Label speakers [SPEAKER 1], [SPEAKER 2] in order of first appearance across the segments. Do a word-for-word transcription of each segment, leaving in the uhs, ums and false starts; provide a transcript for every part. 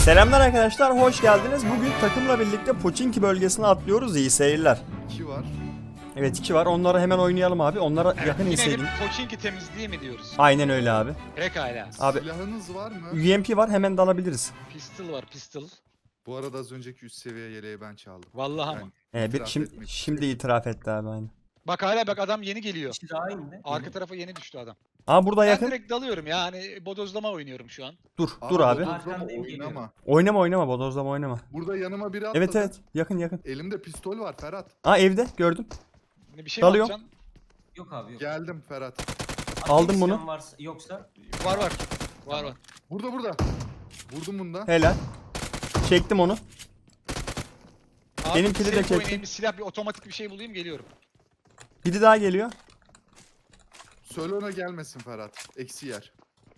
[SPEAKER 1] Selamlar arkadaşlar, hoş geldiniz. Bugün takımla birlikte Pochinki bölgesine atlıyoruz. İyi seyirler.
[SPEAKER 2] İki var.
[SPEAKER 1] Evet, iki var. Onları hemen oynayalım abi. Onlara
[SPEAKER 3] Evet,
[SPEAKER 1] yakın
[SPEAKER 3] yine
[SPEAKER 1] inseydin.
[SPEAKER 3] bir Pochinki temizliği mi diyoruz?
[SPEAKER 1] Aynen öyle abi.
[SPEAKER 3] Pekala.
[SPEAKER 1] Abi-
[SPEAKER 2] Silahınız var mı?
[SPEAKER 1] U M P var, hemen dalabiliriz.
[SPEAKER 3] Pistol var, pistol.
[SPEAKER 2] Bu arada az önceki üst seviye yeleği ben çaldım.
[SPEAKER 3] Vallahi
[SPEAKER 2] Yani
[SPEAKER 3] ama.
[SPEAKER 1] Ee, bir
[SPEAKER 2] itiraf
[SPEAKER 1] şimdi,
[SPEAKER 2] etmek
[SPEAKER 1] şimdi itiraf etti abi aynen.
[SPEAKER 3] Bak hala bak adam yeni geliyor.
[SPEAKER 4] İşte daha indi.
[SPEAKER 3] Arka tarafa yeni düştü adam.
[SPEAKER 1] Aa burada
[SPEAKER 3] Ben
[SPEAKER 1] yakın.
[SPEAKER 3] direkt dalıyorum ya hani bodozlama oynuyorum şu an.
[SPEAKER 1] Dur, dur abi.
[SPEAKER 2] bodozlama
[SPEAKER 4] Arkandayım,
[SPEAKER 2] oynama.
[SPEAKER 1] Oynama oynama, bodozlama oynama.
[SPEAKER 2] Burada yanıma biri atladı.
[SPEAKER 1] Evet evet, yakın yakın.
[SPEAKER 2] Elimde pistol var Ferhat.
[SPEAKER 1] Aa evde, gördüm.
[SPEAKER 3] Ne bir şey
[SPEAKER 1] Dalıyor.
[SPEAKER 3] mi atacaksın?
[SPEAKER 4] Yok abi yok.
[SPEAKER 2] Geldim Ferhat.
[SPEAKER 1] Aldım
[SPEAKER 4] Ateş
[SPEAKER 1] bunu.
[SPEAKER 4] silahın Varsa, yoksa
[SPEAKER 3] Var var. Var var.
[SPEAKER 2] Burada burada. Vurdum bunda.
[SPEAKER 1] Helal. Çektim onu.
[SPEAKER 3] Abi,
[SPEAKER 1] Benimkini de
[SPEAKER 3] safe
[SPEAKER 1] çektim.
[SPEAKER 3] oynayayım, bir silah bir otomatik bir şey bulayım geliyorum.
[SPEAKER 1] Biri daha geliyor.
[SPEAKER 2] Söyle ona gelmesin Ferhat. Eksi yer.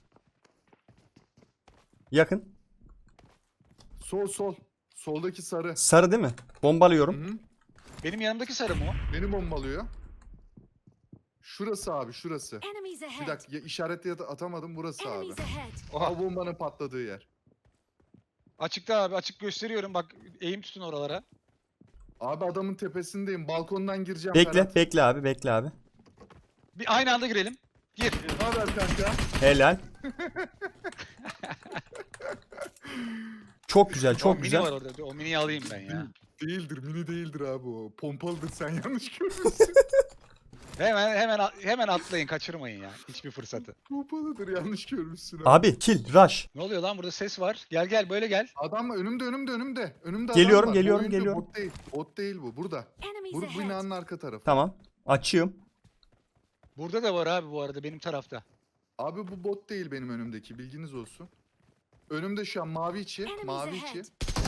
[SPEAKER 1] Yakın.
[SPEAKER 2] Sol sol. Soldaki sarı.
[SPEAKER 1] Sarı değil mi?
[SPEAKER 2] Hı
[SPEAKER 1] Bombalıyorum.
[SPEAKER 2] hı.
[SPEAKER 3] Benim yanımdaki sarı mı o?
[SPEAKER 2] Beni bombalıyor. Şurası abi şurası.
[SPEAKER 5] Enemies ahead.
[SPEAKER 2] Bir dakika ya, işaretle at- atamadım burası abi.
[SPEAKER 5] Enemies ahead.
[SPEAKER 3] Oha.
[SPEAKER 2] O bombanın patladığı yer.
[SPEAKER 3] Açıkta abi açık gösteriyorum bak eğim tutun oralara.
[SPEAKER 2] Abi adamın tepesindeyim. Balkondan gireceğim
[SPEAKER 1] Bekle,
[SPEAKER 2] Ferhat.
[SPEAKER 1] bekle abi, bekle abi.
[SPEAKER 3] Bir aynı anda girelim. Gir.
[SPEAKER 2] Ne haber kanka?
[SPEAKER 1] Helal. Çok güzel,
[SPEAKER 3] O
[SPEAKER 1] çok
[SPEAKER 3] mini
[SPEAKER 1] güzel.
[SPEAKER 3] var orada. O miniyi alayım ben ya.
[SPEAKER 2] Değildir, mini değildir abi o. Pompalıdır, sen yanlış görmüşsün.
[SPEAKER 3] Hemen hemen hemen atlayın kaçırmayın ya. Hiçbir fırsatı.
[SPEAKER 2] Pompalıdır, yanlış görmüşsün abi.
[SPEAKER 1] Abi kill, rush.
[SPEAKER 3] Ne oluyor lan burada ses var. Gel gel böyle gel.
[SPEAKER 2] Adam önümde, önümde, önümde. Önümde
[SPEAKER 1] Geliyorum,
[SPEAKER 2] adam var. Bu
[SPEAKER 1] geliyorum,
[SPEAKER 2] oyuncu
[SPEAKER 1] geliyorum.
[SPEAKER 2] Bot değil, bot değil bu, burada.
[SPEAKER 5] Enemies
[SPEAKER 2] Bu, bu
[SPEAKER 5] ahead.
[SPEAKER 2] binanın arka tarafı.
[SPEAKER 1] Tamam. Açığım.
[SPEAKER 3] Burada da var abi bu arada benim tarafta.
[SPEAKER 2] Abi bu bot değil benim önümdeki, bilginiz olsun. Önümde şu an mavi içi,
[SPEAKER 5] Enemies
[SPEAKER 2] mavi
[SPEAKER 5] ahead.
[SPEAKER 2] içi.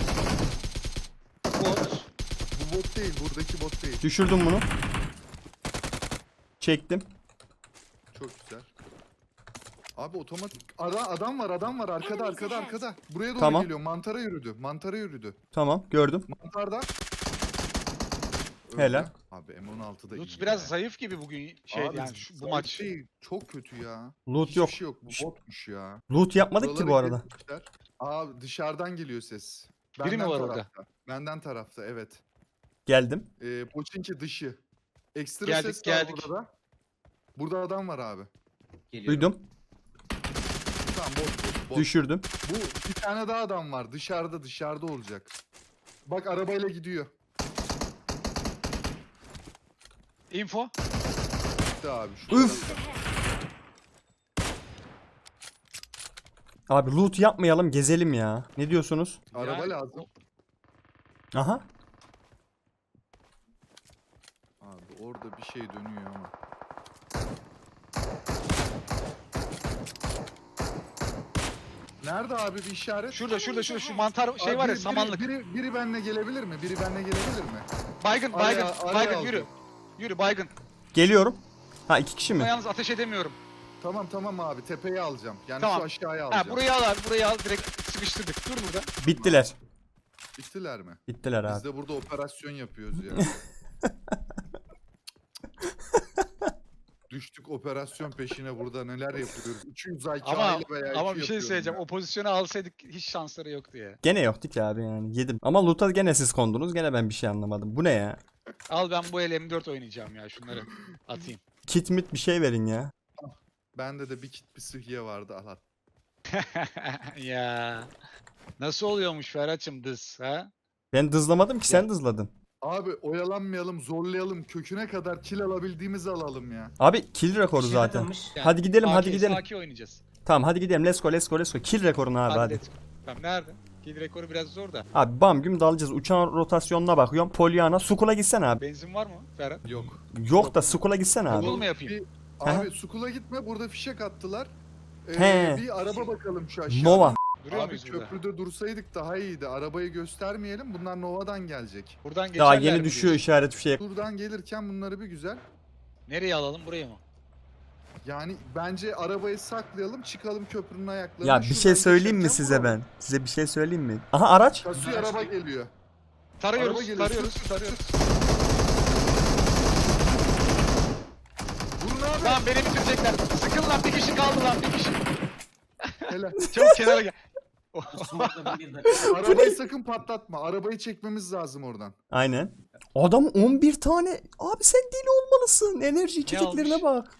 [SPEAKER 3] Bot.
[SPEAKER 2] Bu bot değil, buradaki bot değil.
[SPEAKER 1] Düşürdüm bunu. Çektim.
[SPEAKER 2] Çok güzel. Abi otomatik Ara, adam var, adam var arkada,
[SPEAKER 5] Enemies
[SPEAKER 2] arkada,
[SPEAKER 5] ahead.
[SPEAKER 2] arkada. Buraya doğru
[SPEAKER 1] Tamam.
[SPEAKER 2] geliyor. Mantara yürüdü, mantara yürüdü.
[SPEAKER 1] Tamam, gördüm.
[SPEAKER 2] Mantarda. Öldü.
[SPEAKER 1] Helal.
[SPEAKER 2] Abi M on altıda
[SPEAKER 3] Lutz
[SPEAKER 2] iyi
[SPEAKER 3] biraz
[SPEAKER 2] ya.
[SPEAKER 3] zayıf gibi bugün şey
[SPEAKER 2] Abi
[SPEAKER 3] yani şu, bu
[SPEAKER 2] zayıf
[SPEAKER 3] maç.
[SPEAKER 2] değil, çok kötü ya.
[SPEAKER 1] Loot
[SPEAKER 2] Hiçbir
[SPEAKER 1] yok.
[SPEAKER 2] şey yok. Bu botmuş ya.
[SPEAKER 1] Loot yapmadık ki bu
[SPEAKER 2] Buraları
[SPEAKER 1] arada.
[SPEAKER 2] kesmişler. Abi dışarıdan geliyor ses.
[SPEAKER 3] Biri mi var orada?
[SPEAKER 2] tarafta. Benden tarafta, evet.
[SPEAKER 1] Geldim.
[SPEAKER 2] Ee, Pochinki dışı. Ekstra
[SPEAKER 3] Geldik,
[SPEAKER 2] ses
[SPEAKER 3] geldik.
[SPEAKER 2] var burada da. Burada adam var abi.
[SPEAKER 4] geliyorum.
[SPEAKER 1] Duydum.
[SPEAKER 2] Tamam bot bot bot.
[SPEAKER 1] Düşürdüm.
[SPEAKER 2] Bu bir tane daha adam var. Dışarıda dışarıda olacak. Bak arabayla gidiyor.
[SPEAKER 3] Info.
[SPEAKER 2] Gitti abi şu
[SPEAKER 1] Üf.
[SPEAKER 2] tarafta.
[SPEAKER 1] Abi loot yapmayalım, gezelim ya. Ne diyorsunuz?
[SPEAKER 2] Araba
[SPEAKER 3] Yani
[SPEAKER 2] lazım.
[SPEAKER 1] Aha.
[SPEAKER 2] Abi orada bir şey dönüyor ama. Nerede abi bir işaret?
[SPEAKER 3] Şurada şurada şurada şu mantar şey
[SPEAKER 2] Abi
[SPEAKER 3] var ya
[SPEAKER 2] biri-
[SPEAKER 3] samanlık.
[SPEAKER 2] Biri, biri, biri benimle gelebilir mi? Biri benimle gelebilir mi?
[SPEAKER 3] Baygın
[SPEAKER 2] Araya-
[SPEAKER 3] baygın
[SPEAKER 2] araya
[SPEAKER 3] baygın
[SPEAKER 2] aldım.
[SPEAKER 3] yürü. Yürü baygın.
[SPEAKER 1] Geliyorum. Ha iki kişi
[SPEAKER 3] Ama
[SPEAKER 1] mi?
[SPEAKER 3] yalnız ateş edemiyorum.
[SPEAKER 2] Tamam tamam abi tepeyi alacağım. Yani
[SPEAKER 3] Tamam.
[SPEAKER 2] şu aşağıya
[SPEAKER 3] Ha
[SPEAKER 2] alacağım.
[SPEAKER 3] burayı al abi burayı al direkt sıkıştırdık. Dur burada.
[SPEAKER 1] Bittiler.
[SPEAKER 2] Bittiler mi?
[SPEAKER 1] Bittiler
[SPEAKER 2] Biz
[SPEAKER 1] abi.
[SPEAKER 2] de burada operasyon yapıyoruz ya. Düştük operasyon peşine burada neler yapıyoruz. iki yüz I Q
[SPEAKER 3] Ama
[SPEAKER 2] aile veya
[SPEAKER 3] ama
[SPEAKER 2] iki
[SPEAKER 3] bir şey
[SPEAKER 2] yapıyorum
[SPEAKER 3] söyleyeceğim.
[SPEAKER 2] ya.
[SPEAKER 3] O pozisyonu alsaydık hiç şansları yoktu ya.
[SPEAKER 1] Gene yoktu ki abi yani. Yedim. Ama loot'a gene siz kondunuz. Gene ben bir şey anlamadım. Bu ne ya?
[SPEAKER 3] Al ben bu el M dört oynayacağım ya şunları atayım.
[SPEAKER 1] Kit mit bir şey verin ya.
[SPEAKER 2] Bende de bir kit bir sıhhiye vardı al at.
[SPEAKER 3] Ya. Nasıl oluyormuş Ferhat'cığım dız ha?
[SPEAKER 1] Ben dızlamadım ki, sen dızladın.
[SPEAKER 2] Abi oyalanmayalım zorlayalım köküne kadar kill alabildiğimizi alalım ya.
[SPEAKER 1] Abi kill rekoru
[SPEAKER 4] Bir şey
[SPEAKER 1] zaten.
[SPEAKER 4] atılmış.
[SPEAKER 3] Yani
[SPEAKER 1] Hadi gidelim, hadi
[SPEAKER 3] sakin,
[SPEAKER 1] gidelim.
[SPEAKER 3] Sakin oynayacağız.
[SPEAKER 1] Tamam hadi gidelim. Let's go, let's go, let's go. Kill rekorunu abi
[SPEAKER 3] Hadi,
[SPEAKER 1] hadi.
[SPEAKER 3] let's go. Tamam nerede? Kill rekoru biraz zor da.
[SPEAKER 1] Abi bam güm dalacağız. Uçağın rotasyonuna bakıyorum. Polyana. Sukula gitsene abi.
[SPEAKER 3] Benzin var mı Ferhat?
[SPEAKER 2] Yok.
[SPEAKER 1] Yok da Sukula gitsene abi.
[SPEAKER 3] Google mu yapayım?
[SPEAKER 2] Bir, abi Sukula gitme burada fişek attılar. Ee,
[SPEAKER 1] He.
[SPEAKER 2] bir araba bakalım şu aşağıda.
[SPEAKER 1] Nova.
[SPEAKER 3] Duruyor
[SPEAKER 2] Abi
[SPEAKER 3] muyuz burada?
[SPEAKER 2] köprüde dursaydık daha iyiydi. Arabayı göstermeyelim. Bunlar Nova'dan gelecek.
[SPEAKER 3] Buradan geçerler
[SPEAKER 1] Daha
[SPEAKER 3] mi
[SPEAKER 1] yeni düşüyor
[SPEAKER 3] diyorsun?
[SPEAKER 1] işaret fişeği.
[SPEAKER 2] Buradan gelirken bunları bir güzel.
[SPEAKER 3] Nereye alalım buraya mı?
[SPEAKER 2] Yani bence arabayı saklayalım, çıkalım köprünün ayaklarına.
[SPEAKER 1] Ya bir şey
[SPEAKER 2] Şuradan
[SPEAKER 1] söyleyeyim mi
[SPEAKER 2] geçerken
[SPEAKER 1] size
[SPEAKER 2] vuralım.
[SPEAKER 1] ben? Size bir şey söyleyeyim mi? Aha araç.
[SPEAKER 2] Kasıyor araba geliyor.
[SPEAKER 3] Tarıyoruz,
[SPEAKER 2] Araba geliyor.
[SPEAKER 3] tarıyoruz,
[SPEAKER 2] Sık, sık,
[SPEAKER 3] tarıyoruz.
[SPEAKER 2] sık. Vurun abi.
[SPEAKER 3] Tamam beni bitirecekler. Sıkın lan bir kişi kaldı lan bir kişi.
[SPEAKER 2] Helal.
[SPEAKER 3] Çabuk kenara gel.
[SPEAKER 4] Smoke'la bir dakika.
[SPEAKER 2] Arabayı sakın patlatma. Arabayı çekmemiz lazım oradan.
[SPEAKER 1] Aynen. Adam on bir tane. Abi sen deli olmalısın. Enerji içeceklerine
[SPEAKER 3] almış?
[SPEAKER 1] bak.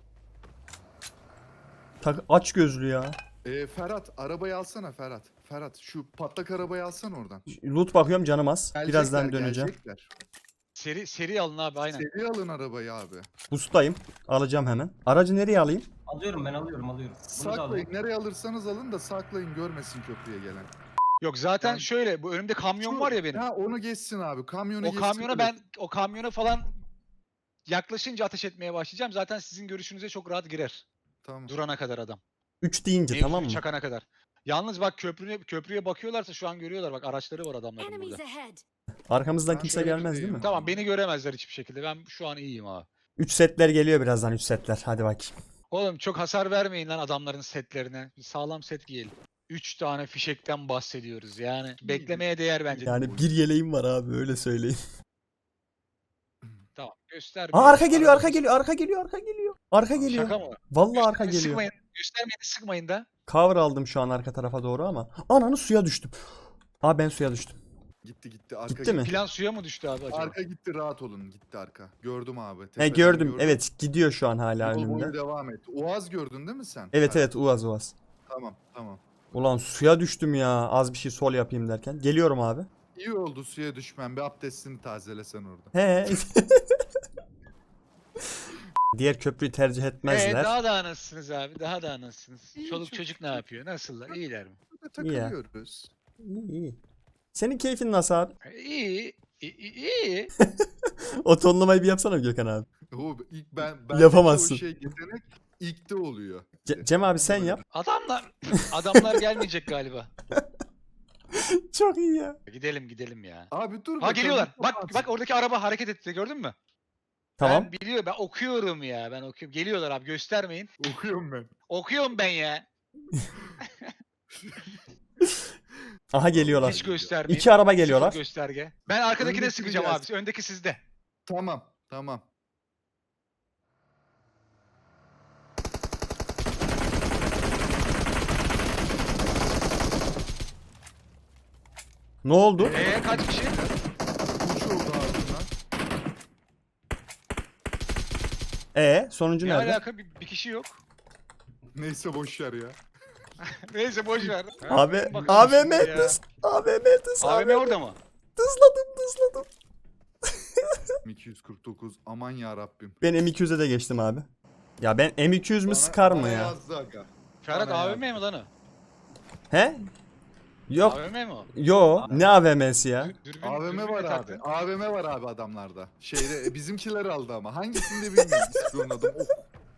[SPEAKER 1] Tak aç gözlü ya.
[SPEAKER 2] Ee, Ferhat arabayı alsana Ferhat. Ferhat şu patlak arabayı alsana oradan.
[SPEAKER 1] Loot bakıyorum canım az.
[SPEAKER 2] Gelecekler,
[SPEAKER 1] Birazdan döneceğim.
[SPEAKER 2] gelecekler.
[SPEAKER 3] Seri seri alın abi aynen.
[SPEAKER 2] Seri alın arabayı abi.
[SPEAKER 1] Boost'tayım. Alacağım hemen. Aracı nereye alayım?
[SPEAKER 4] Alıyorum ben alıyorum alıyorum. Bunu da
[SPEAKER 2] Saklayın.
[SPEAKER 4] alıyorum.
[SPEAKER 2] Nereye alırsanız alın da saklayın görmesin köprüye gelen.
[SPEAKER 3] Yok zaten
[SPEAKER 2] Yani-
[SPEAKER 3] şöyle bu önümde kamyon var ya benim.
[SPEAKER 2] Ha onu geçsin abi. Kamyonu
[SPEAKER 3] O
[SPEAKER 2] geçsin.
[SPEAKER 3] kamyona ben o kamyona falan yaklaşınca ateş etmeye başlayacağım. Zaten sizin görüşünüze çok rahat girer.
[SPEAKER 2] Tamam.
[SPEAKER 3] Durana kadar adam.
[SPEAKER 1] üç deyince
[SPEAKER 3] Mevzuyu
[SPEAKER 1] tamam mı?
[SPEAKER 3] çakana kadar. Yalnız bak köprüye köprüye bakıyorlarsa şu an görüyorlar bak araçları var adamların
[SPEAKER 5] Enemies
[SPEAKER 3] burada.
[SPEAKER 5] ahead.
[SPEAKER 1] Arkamızdan
[SPEAKER 2] Ben
[SPEAKER 1] kimse
[SPEAKER 2] şöyle
[SPEAKER 1] gelmez değil
[SPEAKER 2] tutayım.
[SPEAKER 1] mi?
[SPEAKER 3] Tamam beni göremezler hiçbir şekilde. Ben şu an iyiyim abi.
[SPEAKER 1] üç setler geliyor birazdan üç setler. Hadi bakayım.
[SPEAKER 3] Oğlum çok hasar vermeyin lan adamların setlerine. Bir sağlam set giyelim. üç tane fişekten bahsediyoruz yani. Beklemeye değer bence.
[SPEAKER 1] Yani bir yeleğim var abi öyle söyleyeyim.
[SPEAKER 3] Tamam göster.
[SPEAKER 1] Aa
[SPEAKER 3] bir-
[SPEAKER 1] arka geliyor arka
[SPEAKER 3] Arada-
[SPEAKER 1] geliyor arka geliyor arka geliyor. Arka geliyor.
[SPEAKER 3] Şaka mı?
[SPEAKER 1] Vallahi arka
[SPEAKER 3] Göstermeyin,
[SPEAKER 1] geliyor.
[SPEAKER 3] Sıkmayın. Göstermeyin sıkmayın da.
[SPEAKER 1] Cover aldım şu an arka tarafa doğru ama. Ananı suya düştüm. Aa ben suya düştüm.
[SPEAKER 2] Gitti gitti. Arka
[SPEAKER 1] Gitti mi?
[SPEAKER 3] Plan suya mı düştü abi acaba?
[SPEAKER 2] Arka gitti rahat olun. Gitti arka. Gördüm abi.
[SPEAKER 1] He
[SPEAKER 2] tepeden
[SPEAKER 1] gördüm. Evet gidiyor şu an hala
[SPEAKER 2] Yol boyu
[SPEAKER 1] önümde.
[SPEAKER 2] devam et. Uaz gördün değil mi sen?
[SPEAKER 1] Evet
[SPEAKER 2] Ha,
[SPEAKER 1] evet Uaz Uaz.
[SPEAKER 2] Tamam tamam.
[SPEAKER 1] Ulan suya düştüm ya. Az bir şey sol yapayım derken. Geliyorum abi.
[SPEAKER 2] İyi oldu suya düşmen. Bir abdestini tazelesen orada.
[SPEAKER 1] He. Diğer köprüyü tercih
[SPEAKER 3] Ee,
[SPEAKER 1] etmezler.
[SPEAKER 3] daha da anasınız abi daha da anasınız.
[SPEAKER 2] İyi,
[SPEAKER 3] Çoluk
[SPEAKER 2] çok
[SPEAKER 3] çocuk ne yapıyor? Nasıllar? İyiler mi?
[SPEAKER 2] Burada takılıyoruz.
[SPEAKER 1] İyi, iyi. Senin keyfin nasıl abi?
[SPEAKER 3] İyi. İyi. iyi.
[SPEAKER 1] O tonlamayı bir yapsana bir Gökhan abi.
[SPEAKER 2] O ilk ben, ben
[SPEAKER 1] Yapamazsın.
[SPEAKER 2] O şey yetenek ilkte oluyor.
[SPEAKER 1] Ce- Cem abi sen yap.
[SPEAKER 3] Adamlar adamlar gelmeyecek galiba.
[SPEAKER 1] Çok iyi ya.
[SPEAKER 3] Gidelim gidelim ya.
[SPEAKER 2] Abi dur
[SPEAKER 3] Ha
[SPEAKER 2] bakalım,
[SPEAKER 3] geliyorlar. Bak
[SPEAKER 2] kapat.
[SPEAKER 3] bak oradaki araba hareket etti gördün mü?
[SPEAKER 1] Tamam.
[SPEAKER 3] Ben biliyorum ben okuyorum ya. Ben okuyorum. Geliyorlar abi göstermeyin.
[SPEAKER 2] Okuyorum ben.
[SPEAKER 3] Okuyorum ben ya.
[SPEAKER 1] Aha geliyorlar.
[SPEAKER 3] Hiç göstermeyin.
[SPEAKER 1] İki araba
[SPEAKER 3] Sıfır
[SPEAKER 1] geliyorlar.
[SPEAKER 3] gösterge. Ben arkadakine
[SPEAKER 2] Öndekini
[SPEAKER 3] sıkacağım
[SPEAKER 2] gelsin.
[SPEAKER 3] abi. Öndeki sizde.
[SPEAKER 2] Tamam tamam.
[SPEAKER 1] Ne oldu?
[SPEAKER 3] Ee kaç kişi?
[SPEAKER 2] Uç oldu ağzından.
[SPEAKER 1] E sonuncu
[SPEAKER 3] Ne
[SPEAKER 1] nerede?
[SPEAKER 3] alaka bir, bir kişi yok.
[SPEAKER 2] Neyse boş ver ya.
[SPEAKER 3] Neyse boş ver.
[SPEAKER 1] Abi
[SPEAKER 3] Bakın
[SPEAKER 1] A V
[SPEAKER 3] şimdi
[SPEAKER 1] M
[SPEAKER 3] ya.
[SPEAKER 1] hız. A V M hız.
[SPEAKER 3] A V M orada mı?
[SPEAKER 1] Hızladım hızladım.
[SPEAKER 2] iki yüz kırk dokuz aman ya Rabbim.
[SPEAKER 1] Ben M iki yüze de geçtim abi. Ya ben M iki yüz mü sıkar mı ya?
[SPEAKER 2] Yazdı aga.
[SPEAKER 3] Ferhat
[SPEAKER 2] Bana
[SPEAKER 3] A V
[SPEAKER 2] ya.
[SPEAKER 3] M mi lan o?
[SPEAKER 1] He? Yok.
[SPEAKER 3] A V M mi o?
[SPEAKER 1] Yo. Ne A V M'si ya?
[SPEAKER 3] Dür- Dürbün,
[SPEAKER 2] A V M
[SPEAKER 3] dürbünle
[SPEAKER 2] var
[SPEAKER 3] taktın.
[SPEAKER 2] abi. A V M var abi adamlarda. Şeyde e, bizimkiler aldı ama. Hangisini de bilmiyorum. İsminin adı. Oh.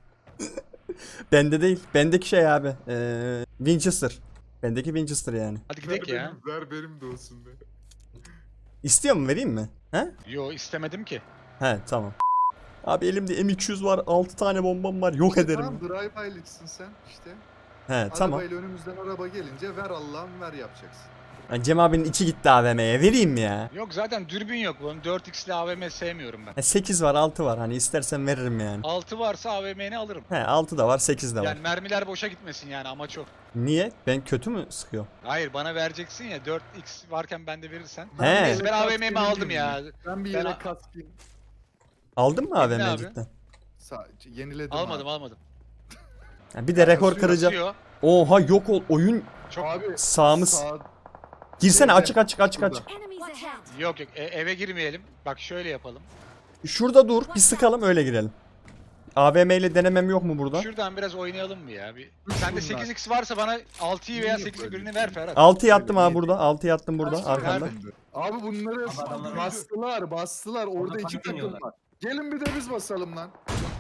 [SPEAKER 1] Bende değil. Bendeki şey abi. Ee, Winchester. Bendeki Winchester yani.
[SPEAKER 3] Hadi gidelim ya.
[SPEAKER 2] Ver benim de olsun be.
[SPEAKER 1] İstiyor mu vereyim mi? He?
[SPEAKER 3] Yo istemedim ki.
[SPEAKER 1] He tamam. Abi elimde M iki yüz var. altı tane bombam var. Yok ederim.
[SPEAKER 2] Tamam drive-by'liksin sen işte.
[SPEAKER 1] He tamam.
[SPEAKER 2] Arabayla önümüzden araba gelince ver Allah'ım ver yapacaksın.
[SPEAKER 1] Yani Cem abinin içi gitti A V M'ye. Vereyim mi ya?
[SPEAKER 3] Yok zaten dürbün yok bunun. dört x'li A V M sevmiyorum ben.
[SPEAKER 1] E, sekiz var altı var. Hani istersen veririm yani.
[SPEAKER 3] altı varsa A V M'ni alırım.
[SPEAKER 1] He altı da var sekiz de var.
[SPEAKER 3] Yani mermiler boşa gitmesin yani amaç o.
[SPEAKER 1] Niye? Ben kötü mü sıkıyorum?
[SPEAKER 3] Hayır bana vereceksin ya dört x varken bende verirsen.
[SPEAKER 1] He.
[SPEAKER 3] Neyse ben A V M'mi
[SPEAKER 2] Kaskini
[SPEAKER 3] aldım ya.
[SPEAKER 2] yenileyim. Ben bir
[SPEAKER 3] Ben
[SPEAKER 2] yere
[SPEAKER 3] a-
[SPEAKER 2] kaskın
[SPEAKER 1] Aldın mı A V
[SPEAKER 3] Ne
[SPEAKER 1] M'yi
[SPEAKER 3] abi?
[SPEAKER 1] cidden?
[SPEAKER 2] Sa- yeniledim
[SPEAKER 3] Almadım
[SPEAKER 2] abi.
[SPEAKER 3] almadım.
[SPEAKER 1] Ya bir de rekor
[SPEAKER 2] kasıyor,
[SPEAKER 1] kıracağım.
[SPEAKER 3] Kasıyor.
[SPEAKER 1] Oha yok ol oyun.
[SPEAKER 3] Çok
[SPEAKER 2] Abi
[SPEAKER 1] Sağımız.
[SPEAKER 2] sağ-
[SPEAKER 1] Girsene
[SPEAKER 2] Şeyde,
[SPEAKER 1] açık açık açık
[SPEAKER 2] burada.
[SPEAKER 1] açık.
[SPEAKER 5] Enemies ahead.
[SPEAKER 3] yok yok E- eve girmeyelim. Bak şöyle yapalım.
[SPEAKER 1] Şurada dur bir sıkalım öyle girelim. A V M ile denemem yok mu burada?
[SPEAKER 3] Şuradan biraz oynayalım mı ya? Bir...
[SPEAKER 2] Üç
[SPEAKER 3] Sende
[SPEAKER 2] bunlar.
[SPEAKER 3] sekiz x varsa bana altıyı veya
[SPEAKER 2] İyi
[SPEAKER 3] sekizi
[SPEAKER 2] böyle.
[SPEAKER 3] birini ver Ferhat.
[SPEAKER 1] altıyı attım
[SPEAKER 2] Öyle
[SPEAKER 1] abi
[SPEAKER 2] değil.
[SPEAKER 1] burada. altıyı attım burada
[SPEAKER 5] Nerede?
[SPEAKER 1] arkanda.
[SPEAKER 2] Abi bunları
[SPEAKER 4] Ama adamlar-
[SPEAKER 2] bastılar bastılar orada
[SPEAKER 4] Orada
[SPEAKER 2] iki takım
[SPEAKER 4] panik
[SPEAKER 2] var. Gelin bir de biz basalım lan.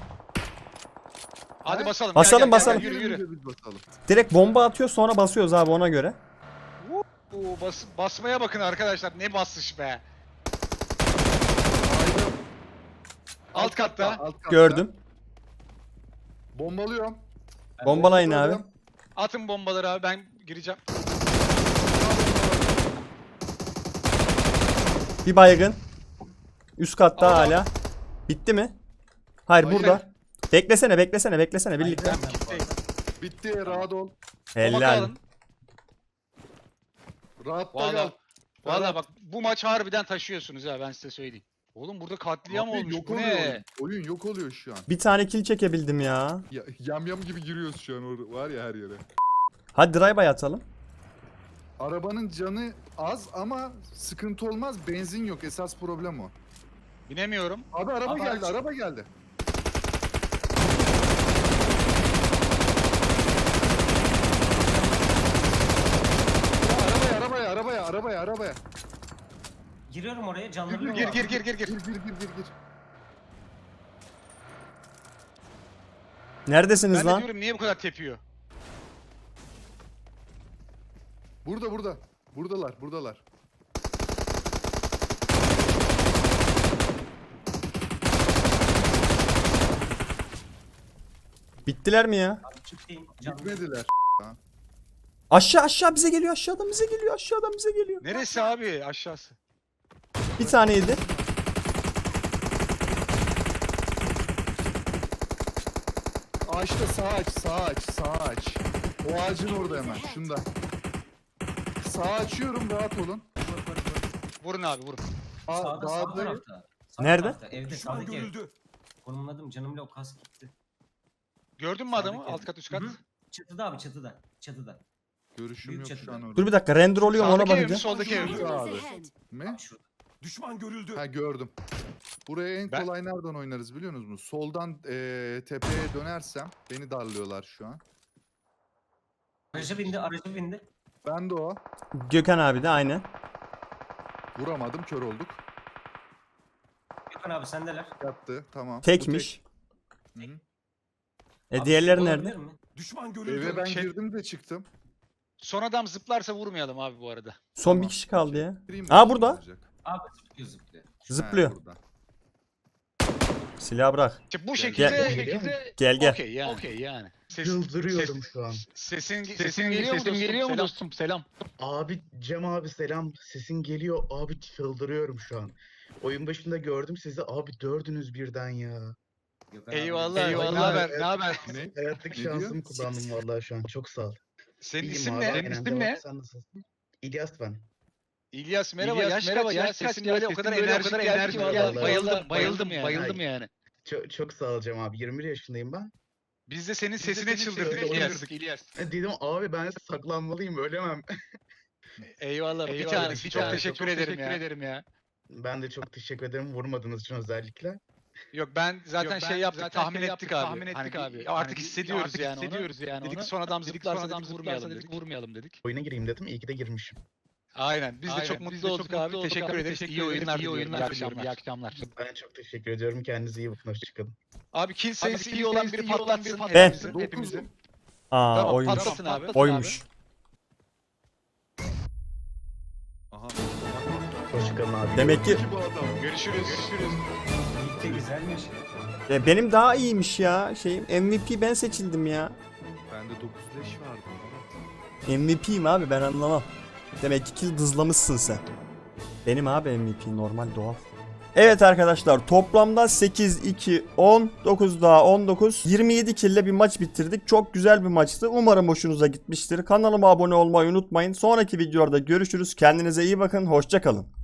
[SPEAKER 3] Hadi
[SPEAKER 2] Ha?
[SPEAKER 3] basalım.
[SPEAKER 1] Basalım,
[SPEAKER 3] gel, gel,
[SPEAKER 1] basalım.
[SPEAKER 3] Gel, yürü
[SPEAKER 2] Gelin
[SPEAKER 3] yürü.
[SPEAKER 2] bir de biz basalım.
[SPEAKER 1] Direkt bomba atıyor sonra basıyoruz abi ona göre.
[SPEAKER 3] Oo, bas, basmaya bakın arkadaşlar. Ne basış be.
[SPEAKER 2] Haydi.
[SPEAKER 3] Alt katta.
[SPEAKER 2] alt katta.
[SPEAKER 1] Gördüm.
[SPEAKER 2] Bombalıyorum.
[SPEAKER 1] Bombalayın abi.
[SPEAKER 2] Bombalıyorum.
[SPEAKER 3] Atın bombaları abi ben gireceğim.
[SPEAKER 1] Bir baygın. Üst katta
[SPEAKER 3] Ama-
[SPEAKER 1] hala. Bitti mi? Hayır
[SPEAKER 3] Hayır.
[SPEAKER 1] burada. Beklesene beklesene beklesene birlikte.
[SPEAKER 3] Ben kitleyim.
[SPEAKER 2] Bitti rahat ol.
[SPEAKER 3] Bomba
[SPEAKER 1] Helal.
[SPEAKER 3] alın.
[SPEAKER 2] Rahatta
[SPEAKER 3] Valla
[SPEAKER 2] kal.
[SPEAKER 3] valla
[SPEAKER 2] Ferhat.
[SPEAKER 3] bak bu maç harbiden taşıyorsunuz ha ben size söyleyeyim. Oğlum burada katliam
[SPEAKER 2] Abi
[SPEAKER 3] olmuş.
[SPEAKER 2] yok
[SPEAKER 3] Bu
[SPEAKER 2] oluyor
[SPEAKER 3] ne?
[SPEAKER 2] oyun. Oyun yok oluyor şu an.
[SPEAKER 1] Bir tane kill çekebildim ya.
[SPEAKER 2] Ya, yam yam gibi giriyoruz şu an or- var ya her yere.
[SPEAKER 1] Hadi drive atalım.
[SPEAKER 2] Arabanın canı az ama sıkıntı olmaz. Benzin yok. Esas problem o.
[SPEAKER 3] Binemiyorum.
[SPEAKER 2] Abi araba
[SPEAKER 4] Abi
[SPEAKER 2] geldi,
[SPEAKER 4] aç.
[SPEAKER 2] araba geldi. Ya arabaya, arabaya, arabaya, arabaya, arabaya.
[SPEAKER 4] Giriyorum oraya canları yok.
[SPEAKER 3] Gir gir gir gir
[SPEAKER 2] Gir,
[SPEAKER 3] gir.
[SPEAKER 2] gir, gir, gir, gir.
[SPEAKER 1] Neredesiniz
[SPEAKER 3] Ben de
[SPEAKER 1] lan?
[SPEAKER 3] diyorum niye bu kadar tepiyor?
[SPEAKER 2] Burada, burada. Buradalar, buradalar.
[SPEAKER 1] Bittiler mi ya?
[SPEAKER 4] Abi çıkayım. Canım.
[SPEAKER 2] Gitmediler.
[SPEAKER 1] Aşağı aşağı bize geliyor. Aşağıdan bize geliyor. Aşağıdan bize geliyor.
[SPEAKER 3] Neresi abi aşağısı?
[SPEAKER 1] Bir taneydi.
[SPEAKER 2] Ağaçta sağ aç, sağ aç, sağ aç. O ağacın orada hemen, şunda. Sağ açıyorum, rahat olun.
[SPEAKER 4] Vur, vur, vur.
[SPEAKER 3] Vurun abi vurun.
[SPEAKER 2] Aa,
[SPEAKER 4] Sağda sağ
[SPEAKER 2] dağda-
[SPEAKER 4] tarafta. Sağ
[SPEAKER 1] Nerede?
[SPEAKER 4] tarafta, Evde sağdaki ev. Konumladım canımla o kask gitti.
[SPEAKER 3] Gördün mü adamı?
[SPEAKER 4] Sağdaki
[SPEAKER 3] Alt
[SPEAKER 4] ev.
[SPEAKER 3] kat üst kat.
[SPEAKER 4] Hı hı. Çatıda abi çatıda. Çatıda.
[SPEAKER 2] Görüşüm
[SPEAKER 4] Büyük
[SPEAKER 2] yok şu
[SPEAKER 4] çatıda.
[SPEAKER 2] an orada.
[SPEAKER 1] Dur bir dakika render oluyorum ona
[SPEAKER 3] Sağdaki ev mi
[SPEAKER 1] bakacağım.
[SPEAKER 3] soldaki ev mi?
[SPEAKER 2] Şurada abi.
[SPEAKER 5] ahead.
[SPEAKER 2] Mi?
[SPEAKER 4] Şurada.
[SPEAKER 5] Düşman görüldü.
[SPEAKER 2] Ha gördüm. Buraya en
[SPEAKER 3] Ben-
[SPEAKER 2] kolay nereden oynarız biliyor musunuz? Soldan eee, tepeye dönersem beni darlıyorlar şu an.
[SPEAKER 4] Araca bindi araca bindi.
[SPEAKER 2] Ben de o.
[SPEAKER 1] Gökhan abi de aynı.
[SPEAKER 2] Vuramadım, kör olduk.
[SPEAKER 4] Gökhan abi sendeler.
[SPEAKER 2] Yattı, tamam. Bu
[SPEAKER 1] Tekmiş.
[SPEAKER 2] tek. Hı hı.
[SPEAKER 1] E
[SPEAKER 4] Abi,
[SPEAKER 1] diğerleri
[SPEAKER 4] olabilir
[SPEAKER 1] nerede?
[SPEAKER 4] mi?
[SPEAKER 5] Düşman görüldü.
[SPEAKER 2] Eve ben
[SPEAKER 3] Şey-
[SPEAKER 2] girdim de çıktım.
[SPEAKER 3] Son adam zıplarsa vurmayalım abi bu arada.
[SPEAKER 1] Son
[SPEAKER 2] Tamam.
[SPEAKER 1] bir kişi kaldı ya.
[SPEAKER 2] Gireyim
[SPEAKER 1] Aa,
[SPEAKER 2] mi?
[SPEAKER 1] burada.
[SPEAKER 2] Olacak.
[SPEAKER 4] Abi zıplıyor zıplıyor.
[SPEAKER 1] Zıplıyor.
[SPEAKER 2] Ha, burada.
[SPEAKER 1] Silahı bırak.
[SPEAKER 3] İşte bu
[SPEAKER 2] Gel-
[SPEAKER 3] şekilde
[SPEAKER 1] gel-
[SPEAKER 3] şekilde
[SPEAKER 1] Gel gel.
[SPEAKER 3] okey yani. Okey yani. Ses,
[SPEAKER 6] Çıldırıyorum
[SPEAKER 3] ses-
[SPEAKER 6] şu an.
[SPEAKER 3] Sesin sesin geliyor mu dostum? Geliyor mu dostum? Selam.
[SPEAKER 6] Abi Cem abi selam. Sesin geliyor. Abi çıldırıyorum şu an. Oyun başında gördüm sizi. Abi dördünüz birden ya.
[SPEAKER 4] Gökhan abi.
[SPEAKER 3] Eyvallah.
[SPEAKER 6] Eyvallah.
[SPEAKER 3] Ne haber? Ne haber?
[SPEAKER 2] Ne?
[SPEAKER 6] Hayatlık
[SPEAKER 2] Ne
[SPEAKER 6] şansımı
[SPEAKER 2] diyor?
[SPEAKER 6] kullandım vallahi şu an. Çok sağ ol.
[SPEAKER 3] Senin
[SPEAKER 6] İyiyim
[SPEAKER 3] isim
[SPEAKER 6] abi,
[SPEAKER 3] ne?
[SPEAKER 6] aynen,
[SPEAKER 3] Senin isim
[SPEAKER 6] devam.
[SPEAKER 3] ne?
[SPEAKER 6] Sen nasılsın? İlyas ben.
[SPEAKER 3] İlyas merhaba. İlyas, yaş merhaba, kaç ya? yaş kaç Sesin ya? böyle o Sesin kadar böyle o enerjik kadar geldi enerjik ki
[SPEAKER 6] geldi.
[SPEAKER 3] vallahi. Bayıldım,
[SPEAKER 6] Vallahi.
[SPEAKER 3] bayıldım yani. Bayıldım yani.
[SPEAKER 6] Çok, çok sağ ol Cem abi. yirmi bir yaşındayım ben.
[SPEAKER 3] Biz de senin sesine
[SPEAKER 6] senin
[SPEAKER 3] çıldırdık
[SPEAKER 6] sesine
[SPEAKER 3] İlyas.
[SPEAKER 6] çıldırdık.
[SPEAKER 3] İlyas.
[SPEAKER 6] E, Dedim abi ben saklanmalıyım ölemem.
[SPEAKER 3] Eyvallah. Bir
[SPEAKER 6] Eyvallah,
[SPEAKER 3] tanesi.
[SPEAKER 6] bir
[SPEAKER 3] Çok
[SPEAKER 6] tanesi.
[SPEAKER 3] teşekkür
[SPEAKER 6] Çok
[SPEAKER 3] ederim
[SPEAKER 6] teşekkür
[SPEAKER 3] ya. ederim ya.
[SPEAKER 6] Ben de çok teşekkür ederim vurmadığınız için özellikle.
[SPEAKER 3] Yok ben zaten
[SPEAKER 5] Yok, ben
[SPEAKER 3] şey yaptık,
[SPEAKER 5] zaten
[SPEAKER 3] tahmin
[SPEAKER 5] şey
[SPEAKER 3] ettik
[SPEAKER 5] yaptık,
[SPEAKER 3] abi.
[SPEAKER 5] tahmin
[SPEAKER 3] Hani
[SPEAKER 5] ettik
[SPEAKER 3] bir-
[SPEAKER 5] abi.
[SPEAKER 3] Artık
[SPEAKER 5] Hani
[SPEAKER 3] hissediyoruz
[SPEAKER 5] artık
[SPEAKER 3] yani
[SPEAKER 5] hissediyoruz
[SPEAKER 3] onu.
[SPEAKER 5] yani
[SPEAKER 3] Dedik
[SPEAKER 5] onu.
[SPEAKER 3] son adam
[SPEAKER 5] Dedik
[SPEAKER 3] zıplarsa
[SPEAKER 5] son adam
[SPEAKER 3] dedik vurmayalım
[SPEAKER 5] zıplarsa
[SPEAKER 3] dedik.
[SPEAKER 5] dedik,
[SPEAKER 3] Vurmayalım dedik.
[SPEAKER 6] Oyuna gireyim dedim. İyi ki de girmişim.
[SPEAKER 3] Aynen. Biz de
[SPEAKER 5] Aynen,
[SPEAKER 3] çok
[SPEAKER 5] biz
[SPEAKER 3] mutlu
[SPEAKER 5] de çok
[SPEAKER 3] olduk
[SPEAKER 5] mutlu
[SPEAKER 3] abi.
[SPEAKER 5] olduk
[SPEAKER 3] Teşekkür
[SPEAKER 5] abi.
[SPEAKER 3] ederiz.
[SPEAKER 5] Teşekkür
[SPEAKER 3] İyi oyunlar
[SPEAKER 5] ederiz. İyi
[SPEAKER 3] diliyorum.
[SPEAKER 5] oyunlar
[SPEAKER 3] İyi
[SPEAKER 5] diliyorum.
[SPEAKER 3] akşamlar. İyi akşamlar.
[SPEAKER 6] Ben çok teşekkür ediyorum. Kendinize iyi bakın. Hoşçakalın.
[SPEAKER 3] Abi kill sayısı
[SPEAKER 5] kill
[SPEAKER 3] iyi olan
[SPEAKER 5] sayısı
[SPEAKER 3] biri
[SPEAKER 5] iyi olan
[SPEAKER 3] patlatsın.
[SPEAKER 5] biri patlatsın.
[SPEAKER 3] hepimizin,
[SPEAKER 2] Dokuz.
[SPEAKER 3] hepimizin.
[SPEAKER 1] Aa
[SPEAKER 3] Tamam
[SPEAKER 1] oymuş.
[SPEAKER 3] patlasın abi.
[SPEAKER 1] Oymuş.
[SPEAKER 2] Aha.
[SPEAKER 6] Hoşçakalın abi.
[SPEAKER 1] Demek ki
[SPEAKER 2] Bu adam.
[SPEAKER 3] Görüşürüz. Görüşürüz.
[SPEAKER 4] Birlikte güzelmiş ya.
[SPEAKER 1] e, benim daha iyiymiş ya. Şeyim M V P ben seçildim ya.
[SPEAKER 2] Bende dokuz leş vardı.
[SPEAKER 1] M V P'yim abi ben anlamam. Demek ki kill dızlamışsın sen. Benim abi M V P normal doğal. Evet arkadaşlar toplamda sekiz, iki, on, dokuz daha on dokuz, yirmi yedi kill ile bir maç bitirdik. Çok güzel bir maçtı. Umarım hoşunuza gitmiştir. Kanalıma abone olmayı unutmayın. Sonraki videolarda görüşürüz. Kendinize iyi bakın. Hoşça kalın.